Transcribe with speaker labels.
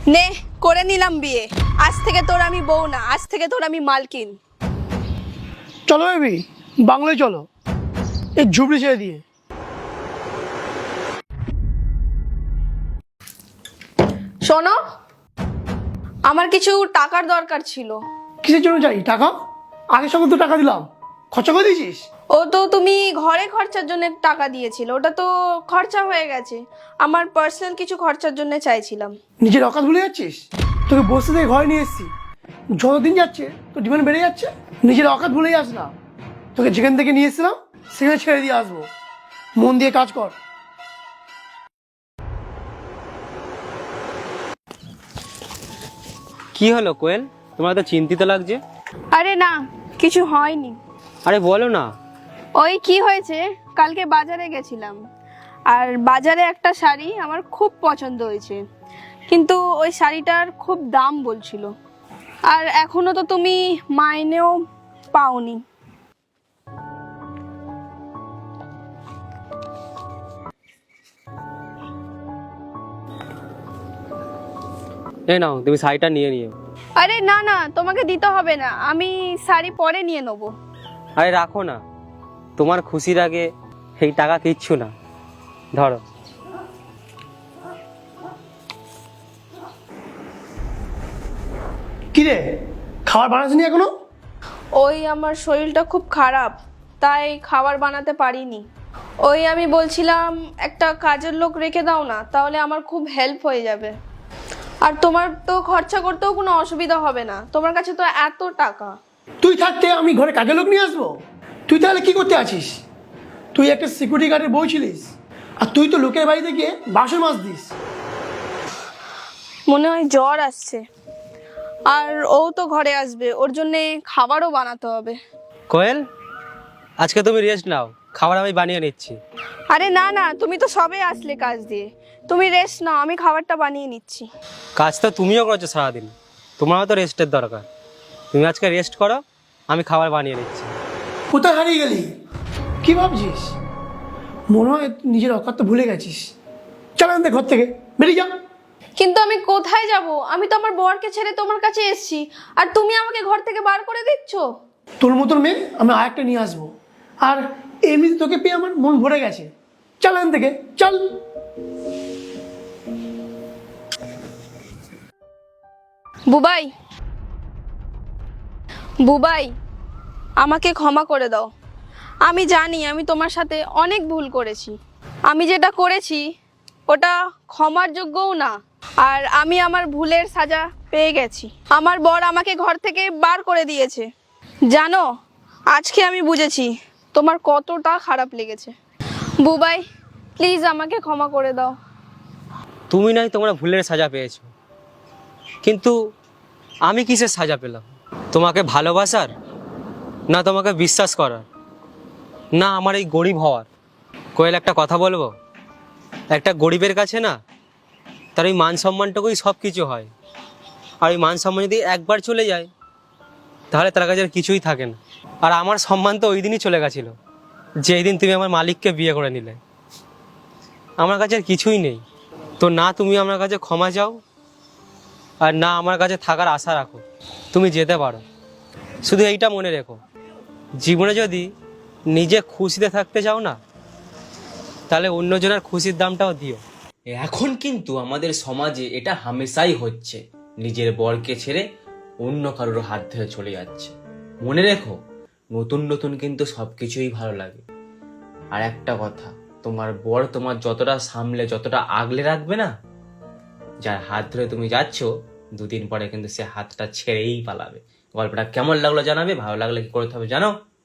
Speaker 1: নে করে নিলাম বিয়ে। আজ থেকে তোর আমি বউ না, আজ থেকে তোর আমি মালকিন।
Speaker 2: চলো বেবি, বাংলায় চলো, এই ঝুবড়ি ছেড়ে দিয়ে।
Speaker 1: শোনো, আমার কিছু টাকার দরকার ছিল।
Speaker 2: কিসের জন্য চাই টাকা? আগের সঙ্গে তো টাকা দিলাম, খরচা করে দিয়েছিস।
Speaker 1: ও তো তুমি ঘরে খরচার জন্য টাকা দিয়েছিল, ওটা তো খরচা হয়ে গেছে। আমার পার্সোনাল কিছু খরচার জন্য চাইছিলাম।
Speaker 2: নিজের অকাত ভুলে যাচ্ছিস? তোকে বসে থেকে ঘরে নিয়ে এসেছি, যতদিন যাচ্ছে তো ডিমান্ড বেড়ে যাচ্ছে। নিজের অকাত ভুলে যাস না। তোকে যেখান থেকে নিয়ে এসেছিলাম সেখানে ছেড়ে দিয়ে আসবো। মন দিয়ে কাজ কর।
Speaker 3: কি হলো কোয়েল, তোমার তো চিন্তিত লাগছে।
Speaker 1: আরে না, কিছু হয়নি।
Speaker 3: আরে বলো না।
Speaker 1: ওই কি হয়েছে, কালকে বাজারে গেছিলাম, আর বাজারে একটা শাড়ি আমার খুব পছন্দ হয়েছে, কিন্তু ওই শাড়িটার খুব দাম বলছিল। আর এখনো তো তুমি মাইনেও পাওনি।
Speaker 3: এই নাও, তুমি শাড়িটা নিয়ে নিও।
Speaker 1: আরে না না, তোমাকে দিতে হবে না, আমি শাড়ি পরে নিয়ে নেবো।
Speaker 3: আরে রাখো না, তোমার খুশির আগে এই টাকা কিচ্ছু না। ধরো।
Speaker 2: কিরে, খাবার বানাসনি এখনো?
Speaker 1: ওই আমার শরীরটা খুব খারাপ, তাই খাবার বানাতে পারিনি। ওই আমি বলছিলাম একটা কাজের লোক রেখে দাও না, তাহলে আমার খুব হেল্প হয়ে যাবে। আর তোমার তো খরচা করতেও কোনো অসুবিধা হবে না, তোমার কাছে তো এত টাকা।
Speaker 2: তুই থাকতে আমি ঘরে কাজের লোক নিয়ে আসবো? তুই তাহলে কি করতে আছিস? তুই একটা সিকিউরিটি গার্ডের বউ ছিলিস, আর তুই তো লোকের বাড়িতে গিয়ে বাসন মাছ দিস।
Speaker 1: মনে হয় জ্বর আসছে, আর ও তো ঘরে আসবে, ওর জন্যে খাবারও বানাতে হবে।
Speaker 3: কোয়েল, আজকে তুমি রেস্ট নাও, খাবার আমি বানিয়ে নিচ্ছি।
Speaker 1: আরে না না, তুমি তো সবে আসলে কাজ দিয়ে, তুমি রেস্ট নাও, আমি খাবারটা বানিয়ে নিচ্ছি।
Speaker 3: কাজ তো তুমিও করেছো সারাদিন, তোমারও তো রেস্টের দরকার। তুমি আজকে রেস্ট করো, আমি খাবার বানিয়ে নিচ্ছি।
Speaker 2: কোথায় হারিয়ে গেলি? কি ভাবছিস? মনে হয় নিজের অকাত তো ভুলে গেছিস। চল আমাদের ঘর থেকে বেরিয়ে যা।
Speaker 1: কিন্তু আমি কোথায় যাব? আমি তো আমার বরকে ছেড়ে তোমার কাছে এসেছি, আর তুমি আমাকে ঘর থেকে বার করে দিচ্ছ।
Speaker 2: তোর মতন মেয়ে আমি আরেকটা নিয়ে আসবো, আর এমনিতে তোকে পেয়ে আমার মন ভরে গেছে। চল এখান থেকে, চল।
Speaker 1: বুবাই, বুবাই, আমাকে ক্ষমা করে দাও। আমি জানি আমি তোমার সাথে অনেক ভুল করেছি। আমি যেটা করেছি ওটা ক্ষমার যোগ্যও না, আর আমি আমার ভুলের সাজা পেয়ে গেছি। আমার বর আমাকে ঘর থেকে বার করে দিয়েছে। জানো, আজকে আমি বুঝেছি তোমার কতটা খারাপ লেগেছে। বুবাই, প্লিজ আমাকে ক্ষমা করে দাও।
Speaker 3: তুমি নাই তোমরা ভুলের সাজা পেয়েছো, কিন্তু আমি কিসের সাজা পেলাম? তোমাকে ভালোবাসার, না তোমাকে বিশ্বাস করার, না আমার এই গরিব হওয়ার? কোয়েল, একটা কথা বলবো, একটা গরিবের কাছে না তার ওই মান সম্মানটুকুই সব কিছু হয়। আর ওই মান সম্মান যদি একবার চলে যায় তাহলে তার কাছে আর কিছুই থাকে না। আর আমার সম্মান তো ওই দিনই চলে গেছিলো যেই দিন তুমি আমার মালিককে বিয়ে করে নিলে। আমার কাছে আর কিছুই নেই। তো না তুমি আমার কাছে ক্ষমা চাও, আর না আমার কাছে থাকার আশা রাখো। তুমি যেতে পারো, শুধু এইটা মনে রেখো, জীবনে যদি নিজে খুশিতে থাকতে চাও না, তাহলে অন্যজনের খুশির দামটাও দিও।
Speaker 4: এখন কিন্তু আমাদের সমাজে এটা হামেশাই হচ্ছে, নিজের বরকে ছেড়ে অন্য কারোর হাত ধরে চলে যাচ্ছে। মনে রেখো, নতুন নতুন কিন্তু সবকিছুই ভালো লাগে। আর একটা কথা, তোমার বর তোমার যতটা সামলে, যতটা আগলে রাখবে না, যার হাত ধরে তুমি যাচ্ছ, দুদিন পরে কিন্তু সে হাতটা ছেড়েই পালাবে। গল্পটা কেমন লাগলো জানাবে, ভালো লাগলে কি করতে হবে জানো?